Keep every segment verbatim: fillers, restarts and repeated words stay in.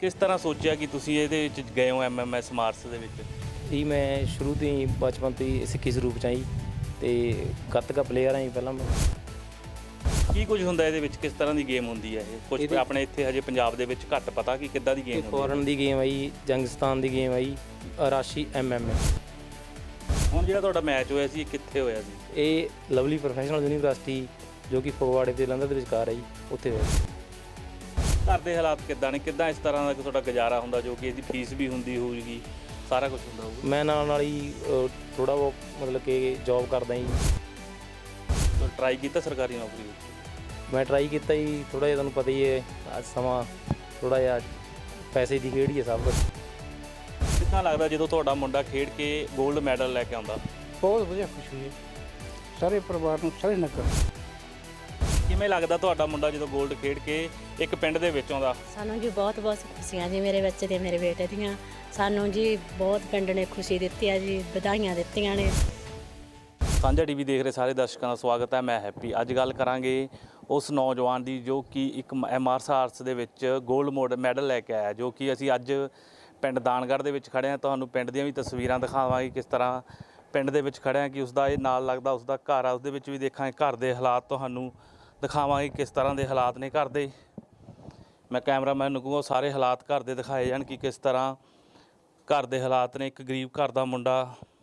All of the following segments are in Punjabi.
ਕਿਸ ਤਰ੍ਹਾਂ ਸੋਚਿਆ ਕਿ ਤੁਸੀਂ ਇਹਦੇ ਵਿੱਚ ਗਏ ਹੋ ਐਮਐਮਐਸ ਮਾਰਸ ਦੇ ਵਿੱਚ? ਜੀ ਮੈਂ ਸ਼ੁਰੂ ਤੋਂ ਹੀ ਬਚਪਨ ਤੋਂ ਹੀ ਸਿੱਖੀ ਸਰੂਪ 'ਚ ਆਈ ਤੇ ਗੱਤਕਾ ਪਲੇਅਰ ਆਂ ਜੀ ਪਹਿਲਾਂ ਮੈਂ। ਕੀ ਕੁਝ ਹੁੰਦਾ ਇਹਦੇ ਵਿੱਚ, ਕਿਸ ਤਰ੍ਹਾਂ ਦੀ ਗੇਮ ਹੁੰਦੀ ਹੈ ਇਹ? ਕੁਝ ਇਹਦੇ- ਆਪਣੇ ਇੱਥੇ ਹਜੇ ਪੰਜਾਬ ਦੇ ਵਿੱਚ ਘੱਟ ਪਤਾ ਕਿ ਕਿੱਦਾਂ ਦੀ ਗੇਮ ਹੁੰਦੀ ਹੈ। ਫੋਰਨ ਦੀ ਗੇਮ ਆਈ, ਜੰਗਸਤਾਨ ਦੀ ਗੇਮ ਆਈ, ਰਾਸ਼ੀ ਐਮ ਐਮ ਏ। ਹੁਣ ਜਿਹੜਾ ਤੁਹਾਡਾ ਮੈਚ ਹੋਇਆ ਸੀ ਇਹ ਕਿੱਥੇ ਹੋਇਆ ਸੀ? ਇਹ ਲਵਲੀ ਪ੍ਰੋਫੈਸ਼ਨਲ ਯੂਨੀਵਰਸਿਟੀ ਜੋ ਕਿ ਫਗਵਾੜੇ ਤੇ ਜਲੰਧਰ ਦੇ ਵਿਚਕਾਰ ਹੈ ਜੀ, ਉੱਥੇ ਹੋਇਆ। ਘਰ ਦੇ ਹਾਲਾਤ ਕਿੱਦਾਂ ਨੇ, ਕਿੱਦਾਂ ਇਸ ਤਰ੍ਹਾਂ ਦਾ ਤੁਹਾਡਾ ਗੁਜ਼ਾਰਾ ਹੁੰਦਾ ਜੋ ਕਿ ਇਹਦੀ ਫੀਸ ਵੀ ਹੁੰਦੀ ਹੋਊਗੀ, ਸਾਰਾ ਕੁਝ ਹੁੰਦਾ ਹੋਊਗਾ? ਮੈਂ ਨਾਲ ਨਾਲ ਹੀ ਥੋੜ੍ਹਾ ਬਹੁਤ ਮਤਲਬ ਕਿ ਜੋਬ ਕਰਦਾ ਜੀ। ਟਰਾਈ ਕੀਤਾ ਸਰਕਾਰੀ ਨੌਕਰੀ ਵਿੱਚ? ਮੈਂ ਟਰਾਈ ਕੀਤਾ ਜੀ, ਥੋੜ੍ਹਾ ਜਿਹਾ ਤੁਹਾਨੂੰ ਪਤਾ ਹੀ ਹੈ ਅੱਜ ਸਮਾਂ ਥੋੜ੍ਹਾ ਜਿਹਾ ਪੈਸੇ ਦੀ ਖੇਡ ਹੀ ਹੈ ਸਭ ਕੁਝ। ਕਿੰਨਾ ਲੱਗਦਾ ਜਦੋਂ ਤੁਹਾਡਾ ਮੁੰਡਾ ਖੇਡ ਕੇ 골ਡ ਮੈਡਲ ਲੈ ਕੇ ਆਉਂਦਾ? ਬਹੁਤ ਵਧੀਆ ਖੁਸ਼ੀ ਹੈ ਸਾਰੇ ਪਰਿਵਾਰ ਨੂੰ, ਸਾਰੇ ਨਗਰ। ਕਿਵੇਂ ਲੱਗਦਾ ਤੁਹਾਡਾ ਮੁੰਡਾ ਜਦੋਂ 골ਡ ਖੇਡ ਕੇ ਇੱਕ ਪਿੰਡ ਦੇ ਵਿੱਚ ਆਉਂਦਾ? ਸਾਨੂੰ ਜੀ ਬਹੁਤ ਬਹੁਤ ਖੁਸ਼ੀਆਂ ਜੀ ਮੇਰੇ ਬੱਚੇ ਤੇ ਮੇਰੇ ਬੇਟੇ ਦੀਆਂ। ਸਾਨੂੰ ਜੀ ਬਹੁਤ ਪਿੰਡ ਨੇ ਖੁਸ਼ੀ ਦਿੱਤੀ ਆ ਜੀ, ਵਧਾਈਆਂ ਦਿੱਤੀਆਂ ਨੇ। ਸਾਂਝਾ ਟੀਵੀ ਦੇਖ ਰਹੇ ਸਾਰੇ ਦਰਸ਼ਕਾਂ ਦਾ ਸਵਾਗਤ ਹੈ। ਮੈਂ ਹੈਪੀ। ਅੱਜ ਗੱਲ ਕਰਾਂਗੇ ਉਸ ਨੌਜਵਾਨ ਦੀ ਜੋ ਕਿ ਇੱਕ ਮਾਰਸ਼ਲ ਆਰਟਸ ਦੇ ਵਿੱਚ 골ਡ ਮੈਡਲ ਲੈ ਕੇ ਆਇਆ, ਜੋ ਕਿ ਅਸੀਂ ਅੱਜ ਪਿੰਡ ਦਾਨਗੜ੍ਹ ਦੇ ਵਿੱਚ ਖੜ੍ਹੇ ਹਾਂ। ਤੁਹਾਨੂੰ ਪਿੰਡ ਦੀਆਂ ਵੀ ਤਸਵੀਰਾਂ ਦਿਖਾਵਾਂਗੇ, ਕਿਸ ਤਰ੍ਹਾਂ ਪਿੰਡ ਦੇ ਵਿੱਚ ਖੜ੍ਹੇ ਹਾਂ, ਕਿ ਉਸਦਾ ਇਹ ਨਾਲ ਲੱਗਦਾ ਉਸਦਾ ਘਰ ਆ, ਉਸਦੇ ਵਿੱਚ ਵੀ ਦੇਖਾਂਗੇ ਘਰ ਦੇ ਹਾਲਾਤ, ਤੁਹਾਨੂੰ ਦਿਖਾਵਾਂਗੇ ਕਿਸ ਤਰ੍ਹਾਂ ਦੇ ਹਾਲਾਤ ਨੇ ਘਰ ਦੇ। ਮੈਂ ਕੈਮਰਾਮੈਨ ਨੂੰ ਕਹੂੰਗਾ ਸਾਰੇ ਹਾਲਾਤ ਘਰ ਦੇ ਦਿਖਾਏ ਜਾਣ ਕਿ ਕਿਸ ਤਰ੍ਹਾਂ ਘਰ ਦੇ ਹਾਲਾਤ ਨੇ। ਇੱਕ ਗਰੀਬ ਘਰ ਦਾ ਮੁੰਡਾ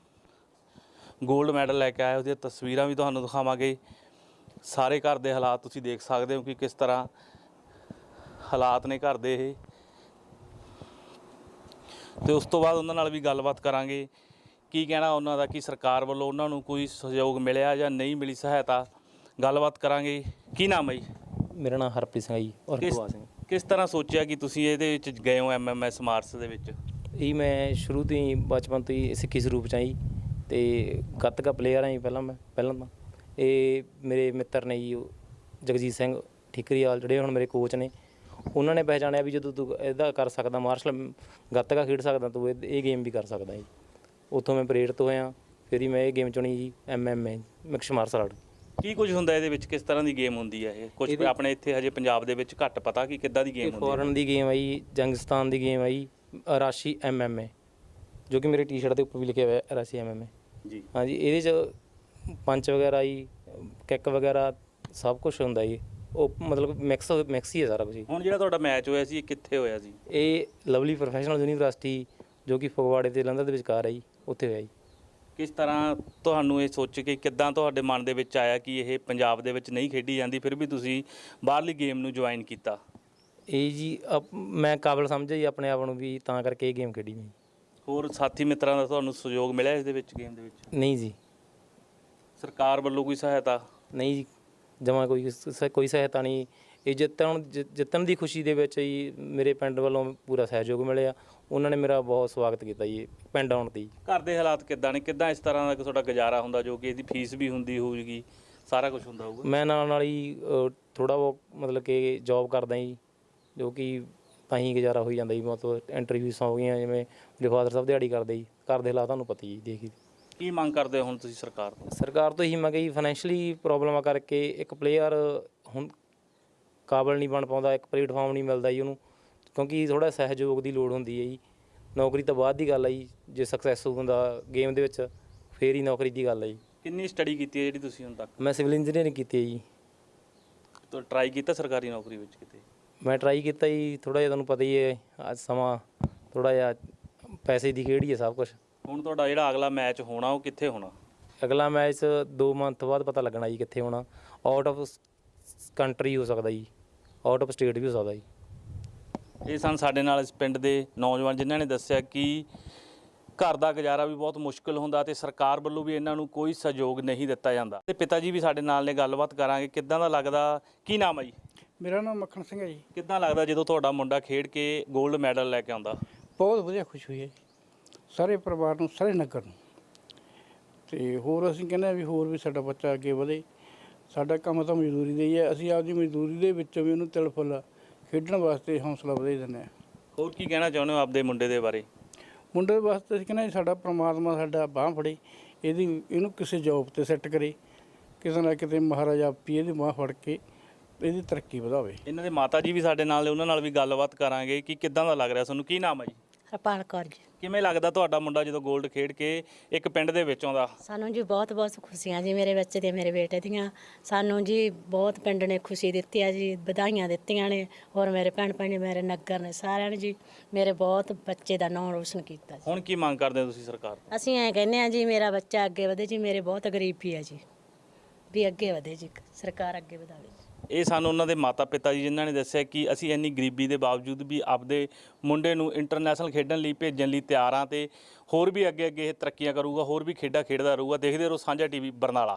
골ਡ ਮੈਡਲ ਲੈ ਕੇ ਆਇਆ, ਉਹਦੀਆਂ ਤਸਵੀਰਾਂ ਵੀ ਤੁਹਾਨੂੰ ਦਿਖਾਵਾਂਗੇ। ਸਾਰੇ ਘਰ ਦੇ ਹਾਲਾਤ ਤੁਸੀਂ ਦੇਖ ਸਕਦੇ ਹੋ ਕਿ ਕਿਸ ਤਰ੍ਹਾਂ ਹਾਲਾਤ ਨੇ ਘਰ ਦੇ ਇਹ। ਤੇ ਉਸ ਤੋਂ ਬਾਅਦ ਉਹਨਾਂ ਨਾਲ ਵੀ ਗੱਲਬਾਤ ਕਰਾਂਗੇ, ਕੀ ਕਹਿਣਾ ਉਹਨਾਂ ਦਾ, ਕਿ ਸਰਕਾਰ ਵੱਲੋਂ ਉਹਨਾਂ ਨੂੰ ਕੋਈ ਸਹਿਯੋਗ ਮਿਲਿਆ ਜਾਂ ਨਹੀਂ ਮਿਲੀ ਸਹਾਇਤਾ, ਗੱਲਬਾਤ ਕਰਾਂਗੇ। ਕੀ ਨਾਮ ਹੈ ਜੀ? ਮੇਰਾ ਨਾਮ ਹਰਪ੍ਰੀਤ ਸਿੰਘ ਹੈ ਜੀ, ਔਰ ਕਿਸ ਪ੍ਰਵਾਸ ਸਿੰਘ। ਕਿਸ ਤਰ੍ਹਾਂ ਸੋਚਿਆ ਕਿ ਤੁਸੀਂ ਇਹਦੇ ਵਿੱਚ ਗਏ ਹੋ ਐਮਐਮਐਸ ਮਾਰਸ ਦੇ ਵਿੱਚ? ਇਹ ਮੈਂ ਸ਼ੁਰੂ ਤੋਂ ਹੀ ਬਚਪਨ ਤੋਂ ਹੀ ਸਿੱਖੀ ਸਰੂਪ 'ਚ ਆਈ ਤੇ ਗੱਤਕਾ ਪਲੇਅਰ ਆਂ ਜੀ ਪਹਿਲਾਂ ਮੈਂ ਪਹਿਲਾਂ ਤਾਂ। ਇਹ ਮੇਰੇ ਮਿੱਤਰ ਨੇ ਜੀ, ਉਹ ਜਗਜੀਤ ਸਿੰਘ ਠੀਕਰੀਵਾਲ, ਜਿਹੜੇ ਹੁਣ ਮੇਰੇ ਕੋਚ ਨੇ। ਉਹਨਾਂ ਨੇ ਪਹਿਚਾਣਿਆ ਵੀ ਜਦੋਂ ਤੂੰ ਇਹਦਾ ਕਰ ਸਕਦਾ, ਮਾਰਸ਼ਲ ਗੱਤਕਾ ਖੇਡ ਸਕਦਾ, ਤੂੰ ਇਹ ਇਹ ਗੇਮ ਵੀ ਕਰ ਸਕਦਾ ਜੀ। ਉੱਥੋਂ ਮੈਂ ਪ੍ਰੇਰਿਤ ਹੋਇਆ, ਫਿਰ ਹੀ ਮੈਂ ਇਹ ਗੇਮ ਚੁਣੀ ਜੀ, M M A, mix martial art. ਕੀ ਕੁਝ ਹੁੰਦਾ ਇਹਦੇ ਵਿੱਚ, ਕਿਸ ਤਰ੍ਹਾਂ ਦੀ ਗੇਮ ਹੁੰਦੀ ਹੈ ਇਹ? ਕੁਝ ਇਹਦੇ- ਆਪਣੇ ਇੱਥੇ ਹਜੇ ਪੰਜਾਬ ਦੇ ਵਿੱਚ ਘੱਟ ਪਤਾ ਕਿ ਕਿੱਦਾਂ ਦੀ ਇਹ ਗੇਮ ਹੁੰਦੀ ਫੋਰਨ ਹੈ। ਦੀ ਗੇਮ ਆਈ, ਜੰਗਸਤਾਨ ਦੀ ਗੇਮ ਆਈ, ਰਾਸ਼ੀ ਐਮ ਐਮ ਏ, ਜੋ ਕਿ ਮੇਰੇ ਟੀ-ਸ਼ਰਟ ਦੇ ਉੱਪਰ ਵੀ ਲਿਖਿਆ ਹੋਇਆ ਰਾਸ਼ੀ ਐਮ ਐਮ ਏ। ਜੀ ਹਾਂਜੀ, ਇਹਦੇ 'ਚ ਪੰਚ ਵਗੈਰਾ ਜੀ, ਕਿੱਕ ਵਗੈਰਾ ਸਭ ਕੁਝ ਹੁੰਦਾ ਜੀ। ਉਹ ਮਤਲਬ ਮਿਕਸ ਮਿਕਸ ਹੀ ਹੈ ਸਾਰਾ ਕੁਝ ਜੀ। ਹੁਣ ਜਿਹੜਾ ਤੁਹਾਡਾ ਮੈਚ ਹੋਇਆ ਸੀ ਇਹ ਕਿੱਥੇ ਹੋਇਆ ਸੀ? ਇਹ ਲਵਲੀ ਪ੍ਰੋਫੈਸ਼ਨਲ ਯੂਨੀਵਰਸਿਟੀ ਜੋ ਕਿ ਫਗਵਾੜੇ ਤੇ ਜਲੰਧਰ ਦੇ ਵਿਚਕਾਰ ਹੈ ਜੀ, ਉੱਥੇ ਹੋਇਆ ਜੀ। ਕਿਸ ਤਰ੍ਹਾਂ ਤੁਹਾਨੂੰ ਇਹ ਸੋਚ ਕੇ ਕਿੱਦਾਂ ਤੁਹਾਡੇ ਮਨ ਦੇ ਵਿੱਚ ਆਇਆ ਕਿ ਇਹ ਪੰਜਾਬ ਦੇ ਵਿੱਚ ਨਹੀਂ ਖੇਡੀ ਜਾਂਦੀ, ਫਿਰ ਵੀ ਤੁਸੀਂ ਬਾਹਰਲੀ ਗੇਮ ਨੂੰ ਜੁਆਇਨ ਕੀਤਾ? ਇਹ ਜੀ ਅਪ- ਮੈਂ ਕਾਬਲ ਸਮਝਿਆ ਜੀ ਆਪਣੇ ਆਪ ਨੂੰ, ਵੀ ਤਾਂ ਕਰਕੇ ਇਹ ਗੇਮ ਖੇਡੀ ਮੈਂ। ਹੋਰ ਸਾਥੀ ਮਿੱਤਰਾਂ ਦਾ ਤੁਹਾਨੂੰ ਸਹਿਯੋਗ ਮਿਲਿਆ ਇਸ ਦੇ ਵਿੱਚ, ਗੇਮ ਦੇ ਵਿੱਚ? ਨਹੀਂ ਜੀ, ਸਰਕਾਰ ਵੱਲੋਂ ਕੋਈ ਸਹਾਇਤਾ? ਨਹੀਂ ਜੀ, ਜਮਾਂ ਕੋਈ ਸ- ਕੋਈ ਸਹਾਇਤਾ ਨਹੀਂ। ਇਹ ਜਿੱਤਣ ਜਿ- ਜਿੱਤਣ ਦੀ ਖੁਸ਼ੀ ਦੇ ਵਿੱਚ ਜੀ ਮੇਰੇ ਪਿੰਡ ਵੱਲੋਂ ਪੂਰਾ ਸਹਿਯੋਗ ਮਿਲਿਆ। ਉਹਨਾਂ ਨੇ ਮੇਰਾ ਬਹੁਤ ਸਵਾਗਤ ਕੀਤਾ ਜੀ ਪਿੰਡ ਆਉਣ 'ਤੇ। ਘਰ ਦੇ ਹਾਲਾਤ ਕਿੱਦਾਂ ਨੇ, ਕਿੱਦਾਂ ਇਸ ਤਰ੍ਹਾਂ ਦਾ ਤੁਹਾਡਾ ਗੁਜ਼ਾਰਾ ਹੁੰਦਾ ਜੋ ਕਿ ਇਹਦੀ ਫੀਸ ਵੀ ਹੁੰਦੀ ਹੋਊਗੀ, ਸਾਰਾ ਕੁਝ ਹੁੰਦਾ ਹੋਊਗਾ? ਮੈਂ ਨਾਲ ਨਾਲ ਹੀ ਥੋੜ੍ਹਾ ਬਹੁਤ ਮਤਲਬ ਕਿ ਜੋਬ ਕਰਦਾ ਜੀ, ਜੋ ਕਿ ਤਾਂ ਹੀ ਗੁਜ਼ਾਰਾ ਹੋਈ ਜਾਂਦਾ ਜੀ। ਮਤਲਬ ਇੰਟਰਵਿਊਸ ਹੋ ਗਈਆਂ, ਜਿਵੇਂ ਮੇਰੇ ਫਾਦਰ ਸਾਹਿਬ ਦਿਹਾੜੀ ਕਰਦੇ ਜੀ। ਘਰ ਦੇ ਹਾਲਾਤ ਤੁਹਾਨੂੰ ਪਤਾ ਜੀ, ਦੇਖੀ। ਕੀ ਮੰਗ ਕਰਦੇ ਹੋ ਹੁਣ ਤੁਸੀਂ ਸਰਕਾਰ ਤੋਂ? ਸਰਕਾਰ ਤੋਂ ਹੀ ਮੈਂ ਕਹੀ, ਫਾਈਨੈਂਸ਼ਲੀ ਪ੍ਰੋਬਲਮਾਂ ਕਰਕੇ ਇੱਕ ਪਲੇਅਰ ਹੁਣ ਕਾਬਲ ਨਹੀਂ ਬਣ ਪਾਉਂਦਾ, ਇੱਕ ਪਲੇਟਫਾਰਮ ਨਹੀਂ ਮਿਲਦਾ ਜੀ ਉਹਨੂੰ, ਕਿਉਂਕਿ ਥੋੜ੍ਹਾ ਸਹਿਯੋਗ ਦੀ ਲੋੜ ਹੁੰਦੀ ਹੈ ਜੀ। ਨੌਕਰੀ ਤਾਂ ਬਾਅਦ ਦੀ ਗੱਲ ਹੈ ਜੀ, ਜੇ ਸਕਸੈਸ ਹੁੰਦਾ ਗੇਮ ਦੇ ਵਿੱਚ ਫੇਰ ਹੀ ਨੌਕਰੀ ਦੀ ਗੱਲ ਹੈ ਜੀ। ਕਿੰਨੀ ਸਟੱਡੀ ਕੀਤੀ ਹੈ ਜਿਹੜੀ ਤੁਸੀਂ ਹੁਣ ਤੱਕ? ਮੈਂ ਸਿਵਲ ਇੰਜੀਨੀਅਰਿੰਗ ਕੀਤੀ ਹੈ ਜੀ। ਤਾਂ ਟਰਾਈ ਕੀਤਾ ਸਰਕਾਰੀ ਨੌਕਰੀ ਵਿੱਚ ਕਿਤੇ? ਮੈਂ ਟਰਾਈ ਕੀਤਾ ਜੀ, ਥੋੜ੍ਹਾ ਜਿਹਾ ਤੁਹਾਨੂੰ ਪਤਾ ਹੀ ਹੈ ਅੱਜ ਸਮਾਂ ਥੋੜ੍ਹਾ ਜਿਹਾ ਪੈਸੇ ਦੀ ਖੇਡ ਹੀ ਹੈ ਸਭ ਕੁਝ। ਹੁਣ ਤੁਹਾਡਾ ਜਿਹੜਾ ਅਗਲਾ ਮੈਚ ਹੋਣਾ ਉਹ ਕਿੱਥੇ ਹੋਣਾ? ਅਗਲਾ ਮੈਚ ਦੋ ਮੰਥ ਬਾਅਦ ਪਤਾ ਲੱਗਣਾ ਜੀ ਕਿੱਥੇ ਹੋਣਾ। ਆਊਟ ਆਫ ਕੰਟਰੀ ਹੋ ਸਕਦਾ ਜੀ, ਆਊਟ ਆਫ ਸਟੇਟ ਵੀ ਹੋ ਸਕਦਾ ਜੀ। ਇਹ ਸਨ ਸਾਡੇ ਨਾਲ ਇਸ ਪਿੰਡ ਦੇ ਨੌਜਵਾਨ ਜਿਨ੍ਹਾਂ ਨੇ ਦੱਸਿਆ ਕਿ ਘਰ ਦਾ ਗੁਜ਼ਾਰਾ ਵੀ ਬਹੁਤ ਮੁਸ਼ਕਿਲ ਹੁੰਦਾ ਤੇ ਸਰਕਾਰ ਵੱਲੋਂ ਵੀ ਇਹਨਾਂ ਨੂੰ ਕੋਈ ਸਹਿਯੋਗ ਨਹੀਂ ਦਿੱਤਾ ਜਾਂਦਾ। ਤੇ ਪਿਤਾ ਜੀ ਵੀ ਸਾਡੇ ਨਾਲ ਨੇ, ਗੱਲਬਾਤ ਕਰਾਂਗੇ। ਕਿੱਦਾਂ ਦਾ ਲੱਗਦਾ? ਕੀ ਨਾਮ ਹੈ ਜੀ? ਮੇਰਾ ਨਾਮ ਮੱਖਣ ਸਿੰਘ ਹੈ ਜੀ। ਕਿੱਦਾਂ ਲੱਗਦਾ ਜਦੋਂ ਤੁਹਾਡਾ ਮੁੰਡਾ ਖੇਡ ਕੇ 골ਡ ਮੈਡਲ ਲੈ ਕੇ ਆਉਂਦਾ? ਬਹੁਤ ਵਧੀਆ ਖੁਸ਼ੀ ਹੋਈ ਹੈ ਜੀ ਸਾਰੇ ਪਰਿਵਾਰ ਨੂੰ, ਸਾਰੇ ਨਗਰ ਨੂੰ। ਤੇ ਹੋਰ ਅਸੀਂ ਕਹਿੰਦੇ ਹਾਂ ਵੀ ਹੋਰ ਵੀ ਸਾਡਾ ਬੱਚਾ ਅੱਗੇ ਵਧੇ। ਸਾਡਾ ਕੰਮ ਤਾਂ ਮਜ਼ਦੂਰੀ ਦਾ ਹੀ ਹੈ, ਅਸੀਂ ਆਪਦੀ ਮਜ਼ਦੂਰੀ ਦੇ ਵਿੱਚੋਂ ਵੀ ਉਹਨੂੰ ਤਿਲ ਫੁੱਲ ਖੇਡਣ ਵਾਸਤੇ ਹੌਸਲਾ ਵਧਾਈ ਦਿੰਦੇ ਹਾਂ। ਹੋਰ ਕੀ ਕਹਿਣਾ ਚਾਹੁੰਦੇ ਹੋ ਆਪਦੇ ਮੁੰਡੇ ਦੇ ਬਾਰੇ? ਮੁੰਡੇ ਵਾਸਤੇ ਅਸੀਂ ਕਹਿੰਦੇ ਸਾਡਾ ਪ੍ਰਮਾਤਮਾ ਸਾਡਾ ਬਾਂਹ ਫੜੇ, ਇਹਦੀ ਇਹਨੂੰ ਕਿਸੇ ਜੋਬ 'ਤੇ ਸੈੱਟ ਕਰੇ, ਕਿਸੇ ਨਾ ਕਿਤੇ ਮਹਾਰਾਜਾ ਆਪੀ ਇਹਦੀ ਬਾਂਹ ਫੜ ਕੇ ਇਹਦੀ ਤਰੱਕੀ ਵਧਾਵੇ। ਇਹਨਾਂ ਦੇ ਮਾਤਾ ਜੀ ਵੀ ਸਾਡੇ ਨਾਲ ਨੇ, ਉਹਨਾਂ ਨਾਲ ਵੀ ਗੱਲਬਾਤ ਕਰਾਂਗੇ ਕਿ ਕਿੱਦਾਂ ਦਾ ਲੱਗ ਰਿਹਾ ਤੁਹਾਨੂੰ। ਕੀ ਨਾਮ ਹੈ ਜੀ? ਹਰਪਾਲ ਕੌਰ ਜੀ। ਕਿਵੇਂ ਲੱਗਦਾ ਤੁਹਾਡਾ ਮੁੰਡਾ ਜਦੋਂ 골ਡ ਖੇਡ ਕੇ ਇੱਕ ਪਿੰਡ ਦੇ ਵਿੱਚ ਆਉਂਦਾ? ਸਾਨੂੰ ਜੀ ਬਹੁਤ ਬਹੁਤ ਖੁਸ਼ੀਆਂ ਜੀ ਮੇਰੇ ਬੱਚੇ ਤੇ ਮੇਰੇ ਬੇਟੇ ਦੀਆਂ। ਸਾਨੂੰ ਜੀ ਬਹੁਤ ਪਿੰਡ ਨੇ ਖੁਸ਼ੀ ਦਿੱਤੀ ਆ ਜੀ, ਵਧਾਈਆਂ ਦਿੱਤੀਆਂ ਨੇ। ਔਰ ਮੇਰੇ ਭੈਣ ਭਾਈ ਨੇ, ਮੇਰੇ ਨਗਰ ਨੇ, ਸਾਰਿਆਂ ਨੇ ਜੀ ਮੇਰੇ ਬਹੁਤ ਬੱਚੇ ਦਾ ਨਾਮ ਰੋਸ਼ਨ ਕੀਤਾ ਜੀ। ਹੁਣ ਕੀ ਮੰਗ ਕਰਦੇ ਹੋ ਤੁਸੀਂ ਸਰਕਾਰ ਤੋਂ? ਅਸੀਂ ਐਂ ਕਹਿੰਦੇ ਆ ਜੀ ਮੇਰਾ ਬੱਚਾ ਅੱਗੇ ਵਧੇ ਜੀ, ਮੇਰੇ ਬਹੁਤ ਗਰੀਬੀ ਆ ਜੀ, ਵੀ ਅੱਗੇ ਵਧੇ ਜੀ, ਸਰਕਾਰ ਅੱਗੇ ਵਧਾਵੇ ਜੀ। ਇਹ ਸਾਨੂੰ ਉਹਨਾਂ ਦੇ ਮਾਤਾ ਪਿਤਾ ਜੀ ਜਿਨ੍ਹਾਂ ਨੇ ਦੱਸਿਆ ਕਿ ਅਸੀਂ ਇੰਨੀ ਗਰੀਬੀ ਦੇ ਬਾਵਜੂਦ ਵੀ ਆਪਦੇ ਮੁੰਡੇ ਨੂੰ ਇੰਟਰਨੈਸ਼ਨਲ ਖੇਡਣ ਲਈ ਭੇਜਣ ਲਈ ਤਿਆਰ ਹਾਂ ਤੇ ਹੋਰ ਵੀ ਅੱਗੇ ਅੱਗੇ ਇਹ ਤਰੱਕੀਆਂ ਕਰੂਗਾ, ਹੋਰ ਵੀ ਖੇਡਾਂ ਖੇਡਦਾ ਰਹੂਗਾ। ਦੇਖਦੇ ਰਹੋ ਸਾਂਝਾ ਟੀਵੀ ਬਰਨਾਲਾ।